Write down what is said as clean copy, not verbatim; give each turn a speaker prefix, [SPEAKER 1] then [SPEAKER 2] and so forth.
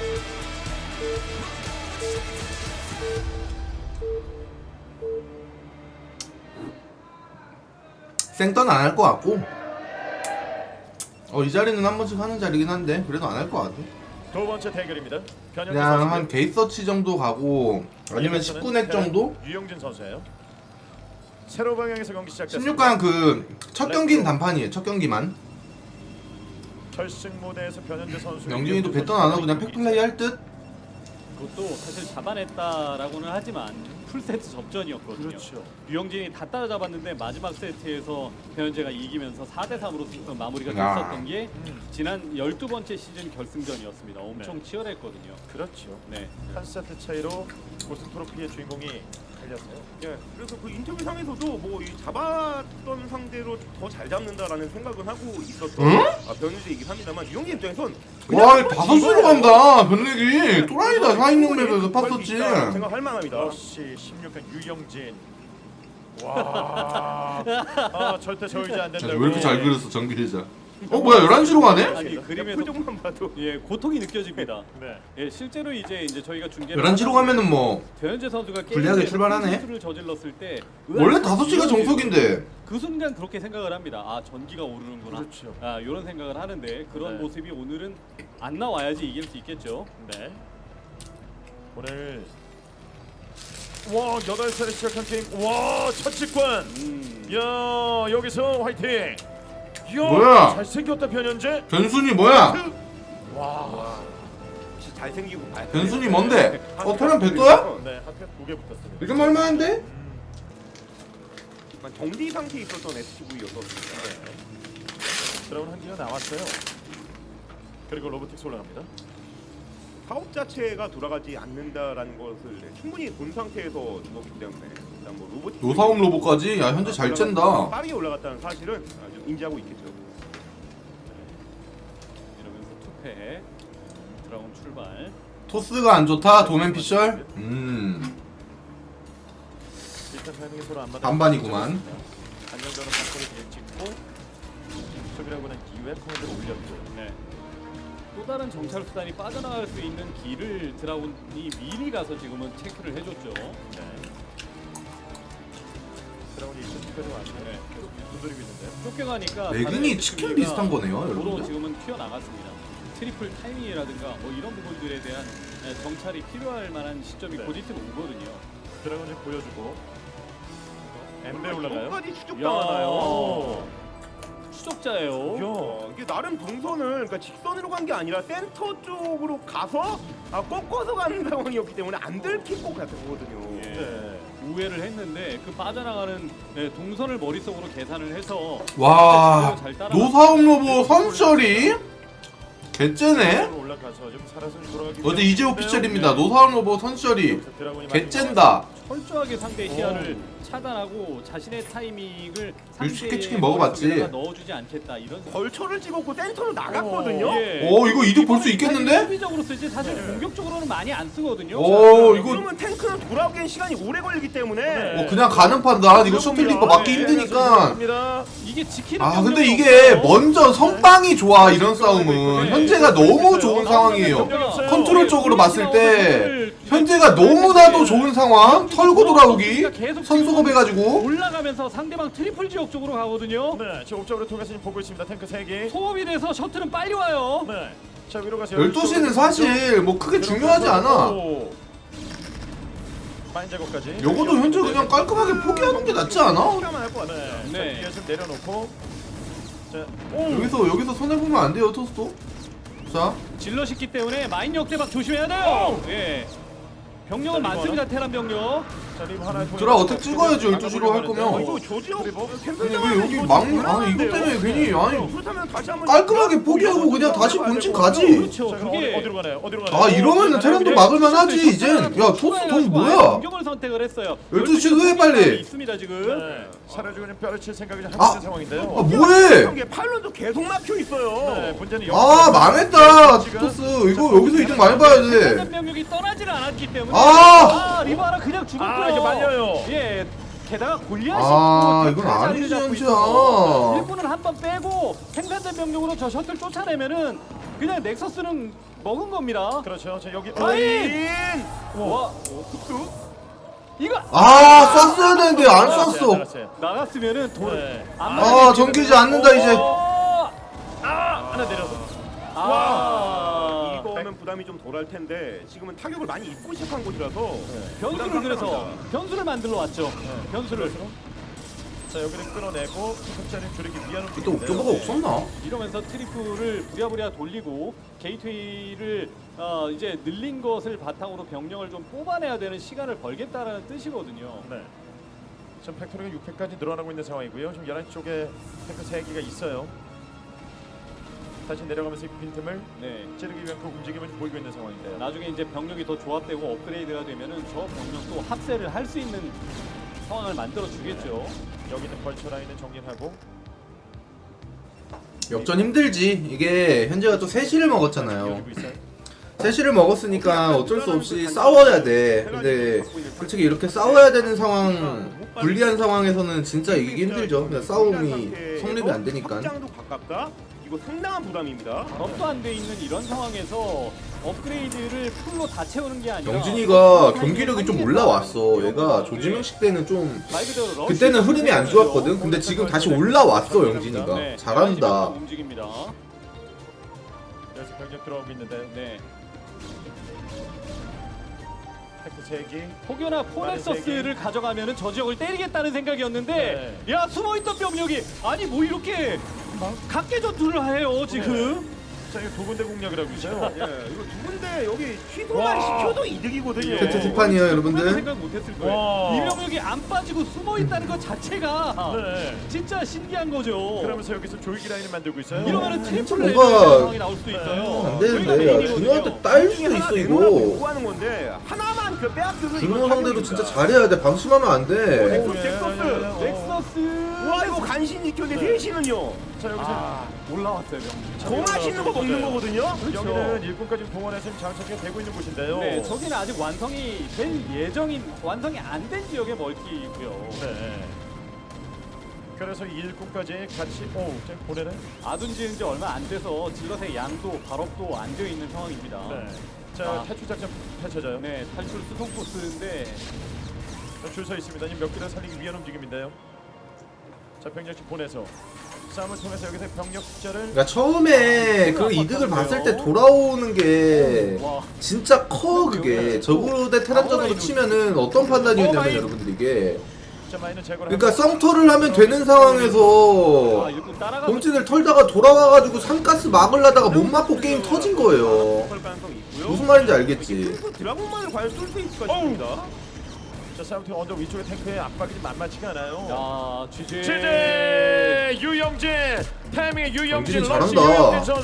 [SPEAKER 1] 생턴 안 할 것 같고 이 자리는 한 번씩 하는 자리긴 한데 그래도 안 할 것 같아.
[SPEAKER 2] 두 번째 대결입니다.
[SPEAKER 1] 그냥 한 게이서치 정도 가고 아니면 19넥 정도?
[SPEAKER 2] 유영진 선수예요. 세로 방향에서 경기 시작됐습니다.
[SPEAKER 1] 16강 그 첫 경기는 단판이에요. 첫 경기만.
[SPEAKER 2] 결승 무대에서 변현재 선수.
[SPEAKER 1] 영진이도 배턴 안 하고 그냥 팩플레이 할 듯?
[SPEAKER 3] 그것도 사실 잡아냈다라고는 하지만 풀세트 접전이었거든요.
[SPEAKER 2] 그렇죠.
[SPEAKER 3] 유영진이 다 따라잡았는데 마지막 세트에서 변현재가 이기면서 4대3으로 마무리가
[SPEAKER 1] 야.
[SPEAKER 3] 됐었던 게 지난 12번째 시즌 결승전이었습니다. 엄청 치열했거든요.
[SPEAKER 2] 그렇죠.
[SPEAKER 3] 네.
[SPEAKER 2] 한 세트 차이로 우승 트로피의 주인공이 달렸어요.
[SPEAKER 4] 예, 그래서 그 인터뷰 상에서도 뭐 이 잡았던 상대로 더 잘 잡는다라는 생각은 하고 있었던
[SPEAKER 1] 응?
[SPEAKER 4] 변현재이긴 합니다만 유영진 입장에선
[SPEAKER 1] 와 5수로 간다 변렉이 또라이다 4인용 맵에서 팠었지.
[SPEAKER 4] 생각할 만합니다.
[SPEAKER 2] 역시 16강 유영진. 와, 절대 저이지 안 된다.
[SPEAKER 1] 왜 이렇게 잘 그렸어 정규리자. 뭐야 11시로 가네?
[SPEAKER 3] 아니
[SPEAKER 4] 그냥
[SPEAKER 3] 그림에서
[SPEAKER 4] 표정만 봐도
[SPEAKER 3] 예 고통이 느껴집니다.
[SPEAKER 2] 네.
[SPEAKER 3] 예 실제로 이제 저희가 중계를
[SPEAKER 1] 11시로 가면은 뭐
[SPEAKER 3] 변현재 선수가
[SPEAKER 1] 불리하게 출발하네.
[SPEAKER 3] 실수를 저질렀을 때
[SPEAKER 1] 원래 5시가 정석인데
[SPEAKER 3] 그 순간 그렇게 생각을 합니다. 아 전기가 오르는구나.
[SPEAKER 2] 그렇죠.
[SPEAKER 3] 아 이런 생각을 하는데 그런
[SPEAKER 2] 네.
[SPEAKER 3] 모습이 오늘은 안 나와야지 이길 수 있겠죠.
[SPEAKER 2] 네. 오늘 와 8차례 시작한 게임. 와 첫 직관. 야 여기서 화이팅. 야
[SPEAKER 1] 뭐야?
[SPEAKER 2] 잘생겼다 변현재.
[SPEAKER 1] 변순이 뭐야?
[SPEAKER 2] 와.
[SPEAKER 4] 진짜 잘생기고
[SPEAKER 1] 변순이 뭔데? 테란 백도야?
[SPEAKER 2] 네 하필 2개 붙었습니다.
[SPEAKER 1] 이렇게 말만한데?
[SPEAKER 4] 정리 상태에 있었던 SCV였었습니다.
[SPEAKER 2] 드라운 한 개가 나왔어요. 그리고 로보틱스 올라갑니다.
[SPEAKER 4] 사업 자체가 돌아가지 않는다라는 것을 충분히 본 상태에서 죽었기 때문에 일단 뭐 로봇
[SPEAKER 1] 노사움 로봇까지? 야 현재 잘 쨘다.
[SPEAKER 4] 빠르게 올라갔다는 사실은 좀 인지하고 있겠죠.
[SPEAKER 3] 이러면서 투패 드라곤 출발.
[SPEAKER 1] 토스가 안 좋다 도맨 피셜?
[SPEAKER 2] 일단 타이밍이 서로 안 맞아.
[SPEAKER 1] 반반이구만.
[SPEAKER 2] 안정적으로 바꿔를 찍고 수비라고 는 이후에 코멘트를 올렸고.
[SPEAKER 3] 네. 또 다른 정찰 수단이 빠져나갈 수 있는 길을 드라곤이 미리 가서 지금은 체크를 해줬죠.
[SPEAKER 2] 네. 드라운이 2000까지 왔어요.
[SPEAKER 3] 네.
[SPEAKER 2] 계속 두드리고 있는데.
[SPEAKER 3] 쫓겨가니까
[SPEAKER 1] 매근이
[SPEAKER 3] 다른
[SPEAKER 1] 치킨
[SPEAKER 3] SCV 가
[SPEAKER 1] 비슷한 거네요,
[SPEAKER 3] 도로
[SPEAKER 1] 여러분들.
[SPEAKER 3] 지금은 튀어나갔습니다. 트리플 타이밍이라든가 뭐 이런 부분들에 대한 정찰이 필요할 만한 시점이
[SPEAKER 2] 네.
[SPEAKER 3] 곧 있으면 오거든요.
[SPEAKER 2] 드라운 좀 보여주고. 엠베 올라가요.
[SPEAKER 4] 까지 추적당하나요?
[SPEAKER 3] 추적자예요.
[SPEAKER 2] 야.
[SPEAKER 4] 이게 나름 동선을 그러니까 직선으로 간 게 아니라 센터 쪽으로 가서 꺾어서 가는 상황이었기 때문에 안 들킬 것 같거든요.
[SPEAKER 3] 예.
[SPEAKER 2] 네.
[SPEAKER 3] 우회를 했는데 그 빠져나가는 동선을 머릿속으로 계산을 해서
[SPEAKER 1] 와
[SPEAKER 3] 잘 따라가-
[SPEAKER 1] 노사움 로봇 선셜이? 개째네?
[SPEAKER 2] 올라가서 좀 살아서 돌아가기.
[SPEAKER 1] 어제 이재호 피셜입니다. 노사움 로봇 선셜이 개쨘다.
[SPEAKER 3] 철저하게 상대의 시야를 차단하고 자신의 타이밍을
[SPEAKER 1] 육식회 치킨
[SPEAKER 3] 상대의
[SPEAKER 1] 먹어봤지.
[SPEAKER 3] 머릿속에다가 넣어주지 않겠다 이런 생각.
[SPEAKER 4] 벌처를 찍었고 센터로 나갔거든요.
[SPEAKER 3] 예.
[SPEAKER 1] 이거 이득 볼 수 있겠는데?
[SPEAKER 3] 수비적으로 쓰지 사실 공격적으로는 많이 안 쓰거든요.
[SPEAKER 1] 이거
[SPEAKER 4] 그러면 탱크는 돌아오기엔 시간이 오래 걸리기 때문에
[SPEAKER 1] 그냥 가는 판단. 이거 셔틀리퍼 맞기 힘드니까.
[SPEAKER 3] 이게 지키는
[SPEAKER 1] 근데
[SPEAKER 3] 병력이
[SPEAKER 1] 이게
[SPEAKER 3] 없어요.
[SPEAKER 1] 먼저 선빵이 좋아 이런 싸움은. 현재가 너무 좋은 상황이에요. 컨트롤적으로 봤을 때 현재가 너무나도 좋은 상황. 털고 돌아오기. 선수급 해가지고.
[SPEAKER 3] 올라가면서 상대방 트리플 지역 쪽으로 가거든요.
[SPEAKER 2] 네, 지금 옵적으로 통해서 지금 보고 있습니다. 탱크 3개.
[SPEAKER 3] 소음이 돼서 셔틀은 빨리 와요.
[SPEAKER 2] 네. 자, 위로 가서
[SPEAKER 1] 12시는 사실 뭐 크게 중요하지 않아.
[SPEAKER 2] 파인 작업까지.
[SPEAKER 1] 요거도 현재 그냥 깔끔하게 포기하는 게 낫지 않아?
[SPEAKER 4] 포기하면 할 것 같아요.
[SPEAKER 2] 네.
[SPEAKER 3] 네.
[SPEAKER 2] 자, 뒤에 좀 내려놓고. 자,
[SPEAKER 1] 여기서 손해보면 안 돼요 토스도. 자
[SPEAKER 3] 질럿이기 때문에 마인 역대박 조심해야 돼요. 예. 병력은
[SPEAKER 2] 자,
[SPEAKER 3] 많습니다. 테란 병력.
[SPEAKER 2] 자, 리브 하나
[SPEAKER 1] 드라 어택 찍어야죠, 12시로 할 거면.
[SPEAKER 4] 이거 조지혁
[SPEAKER 1] 아니 왜 여기 이것 때문에 괜히
[SPEAKER 4] 그렇다면 다시 한번
[SPEAKER 1] 깔끔하게 포기하고 그냥 다시 본진 가지.
[SPEAKER 3] 그렇죠.
[SPEAKER 2] 자, 그럼
[SPEAKER 3] 그게
[SPEAKER 2] 어디로 가나요? 어디로 가나요?
[SPEAKER 1] 이러면은 테란도 막을만 하지 이젠. 야 토스 돈 뭐야?
[SPEAKER 3] 공격을 선택을 했어요.
[SPEAKER 1] 12시 왜 빨리?
[SPEAKER 3] 있습니다 지금.
[SPEAKER 2] 네. 사라지고 있는 뼈를 칠 생각이 좀 하고 있는 상황인데요.
[SPEAKER 1] 뭐해?
[SPEAKER 4] 이게 팔론도 계속 막혀 있어요.
[SPEAKER 2] 네, 문제는
[SPEAKER 1] 망했다 토스. 이거 여기서 이득 많이 봐야 돼.
[SPEAKER 3] 모든 병력이 떠나지를 않았기 때문에 리바라 그냥 죽었고요.
[SPEAKER 2] 이게 말려요.
[SPEAKER 3] 예. 게다가 골리앗이
[SPEAKER 1] 이건 아니지 현지야.
[SPEAKER 3] 일꾼은 한 번 빼고 생산된 병력으로 저 셔틀 쫓아내면은 그냥 넥서스는 먹은 겁니다.
[SPEAKER 2] 그렇죠. 자 여기
[SPEAKER 3] 라인!
[SPEAKER 2] 와.
[SPEAKER 3] 와, 툭툭. 이거
[SPEAKER 1] 아 쐈어야 되는데 안 쐈어.
[SPEAKER 2] 나갔어요.
[SPEAKER 3] 나갔으면은 돈.
[SPEAKER 2] 네.
[SPEAKER 3] 안
[SPEAKER 1] 아 전기지 않는다 이제.
[SPEAKER 2] 하나 내려서.
[SPEAKER 3] 아,
[SPEAKER 4] 이거면 부담이 좀 덜할 텐데 지금은 타격을 많이 입고 시작한 곳이라서
[SPEAKER 3] 변수를 그래서 변수를 만들러 왔죠. 변수를.
[SPEAKER 2] 자 여기를 끌어내고 득점을 줄이기 위한
[SPEAKER 1] 또 옥저버가 없었나?
[SPEAKER 3] 이러면서 트리플을 부랴부랴 돌리고 게이트웨이를 이제 늘린 것을 바탕으로 병력을 좀 뽑아내야 되는 시간을 벌겠다라는 뜻이거든요.
[SPEAKER 2] 네. 지금 팩토리가 6회까지 늘어나고 있는 상황이고요. 지금 11시 쪽에 탱크 3개가 있어요. 다시 내려가면서 이 빈틈을
[SPEAKER 3] 네.
[SPEAKER 2] 찌르기 위한 그 움직임을 보이고 있는 상황인데요.
[SPEAKER 3] 나중에 이제 병력이 더 조합되고 업그레이드가 되면은 저 병력도 합세를 할 수 있는 상황을 만들어 주겠죠.
[SPEAKER 2] 여기 있는 벌처 라인을 정리하고
[SPEAKER 1] 역전 힘들지. 이게 현재가 또 3시를 먹었잖아요.
[SPEAKER 2] 열리고 있어요.
[SPEAKER 1] 3시를 먹었으니까 어쩔 수 없이 싸워야 돼. 근데 솔직히 이렇게 싸워야 되는 상황, 불리한 상황에서는 진짜 이기기 힘들죠. 그냥 싸움이 성립이 안 되니까.
[SPEAKER 4] 확장도 가깝다. 이거 상당한 부담입니다.
[SPEAKER 3] 업도 안 돼 있는 이런 상황에서 업그레이드를 풀로 다 채우는 게 아니라
[SPEAKER 1] 영진이가 경기력이 좀 올라왔어. 얘가 조지명식 때는 좀
[SPEAKER 3] 말 그대로 러쉬
[SPEAKER 1] 그때는 흐름이 안 좋았거든. 근데 지금 다시 올라왔어 영진이가.
[SPEAKER 3] 네,
[SPEAKER 1] 잘한다.
[SPEAKER 3] 움직입니다.
[SPEAKER 2] 여기서 병력 들어오고 있는데
[SPEAKER 3] 네.
[SPEAKER 2] 탱크 3개.
[SPEAKER 3] 혹여나 포넥서스를 가져가면은 저 지역을 때리겠다는 생각이었는데 야 숨어있던 병력이 아니 뭐 이렇게 각계 전투를 해요 지금.
[SPEAKER 2] 자 이거 두 군데 공략이라고 있어요.
[SPEAKER 4] 예, 이거 두 군데 여기 취소만 시켜도 이득이거든요.
[SPEAKER 1] 세트 뒷판이에요 여러분들.
[SPEAKER 3] 생각 못했을 거예요.
[SPEAKER 2] 와.
[SPEAKER 3] 이 병력이 안 빠지고 숨어있다는 것 자체가
[SPEAKER 2] 네.
[SPEAKER 3] 진짜 신기한 거죠.
[SPEAKER 2] 그러면서 여기서 조이기 라인을 만들고 있어요.
[SPEAKER 3] 이러면은 트리플
[SPEAKER 1] 뭔가
[SPEAKER 3] 레벨 상황이 나올 수도 있어요.
[SPEAKER 1] 안 되는데. 야, 준호한테 딸 수도 있어 이거.
[SPEAKER 4] 요구하는 건데 하나만 그 빼앗겨서
[SPEAKER 1] 준호 상대로 진짜 잘해야 돼. 방심하면 안 돼.
[SPEAKER 3] 넥서스.
[SPEAKER 4] 와 이거 간신 지켰는데 셋이는요.
[SPEAKER 2] 자 여기서
[SPEAKER 3] 올라왔어요 병력.
[SPEAKER 4] 더 맛있는 거 먹는 거거든요.
[SPEAKER 2] 여기는 일꾼까지 동원해서 지금 장착이 되고 있는 곳인데요.
[SPEAKER 3] 네, 저기는 아직 완성이 될 예정인 완성이 안 된 지역의 멀티고요.
[SPEAKER 2] 네. 그래서 이 일꾼까지 같이 지금 보내는.
[SPEAKER 3] 아둔 지은 지 얼마 안 돼서 질럿의 양도 발업도 안 되어 있는 상황입니다.
[SPEAKER 2] 네. 자
[SPEAKER 3] 아.
[SPEAKER 2] 탈출 작전 펼쳐져요.
[SPEAKER 3] 네, 탈출 수송 코스인데
[SPEAKER 2] 줄 서 있습니다. 지금 몇 개를 살리기 위한 움직임인데요. 자 병력씩 보내서 싸움을 통해서 여기서 병력 숫자를
[SPEAKER 1] 그러니까 처음에 그 이득을 봤을 때 돌아오는 게
[SPEAKER 3] 와,
[SPEAKER 1] 진짜 커 그게. 저그로 대 테란전으로 치면은 어떤 판단이었냐면 여러분들 이게.
[SPEAKER 2] 자 마이너 제거를.
[SPEAKER 1] 그러니까 썸터를 하면 되는 상황에서
[SPEAKER 3] 일꾼 따라가.
[SPEAKER 1] 본진을 털다가 돌아와가지고 산가스 막으려다가 못 맞고 게임 터진 거예요.
[SPEAKER 4] 할 가능성이 있고요.
[SPEAKER 1] 무슨 말인지 알겠지?
[SPEAKER 4] 그래서 드라곤만을 과연 쏠 수 있을까 싶습니다.
[SPEAKER 2] 자 싸움팀 언더 위쪽에 탱크의 압박이 좀 만만치가 않아요.
[SPEAKER 3] 야, GG.
[SPEAKER 2] 최재 유영진 타이밍에 유영진
[SPEAKER 1] 영진이
[SPEAKER 2] 러시
[SPEAKER 1] 잘한다.
[SPEAKER 2] 유영진 선수.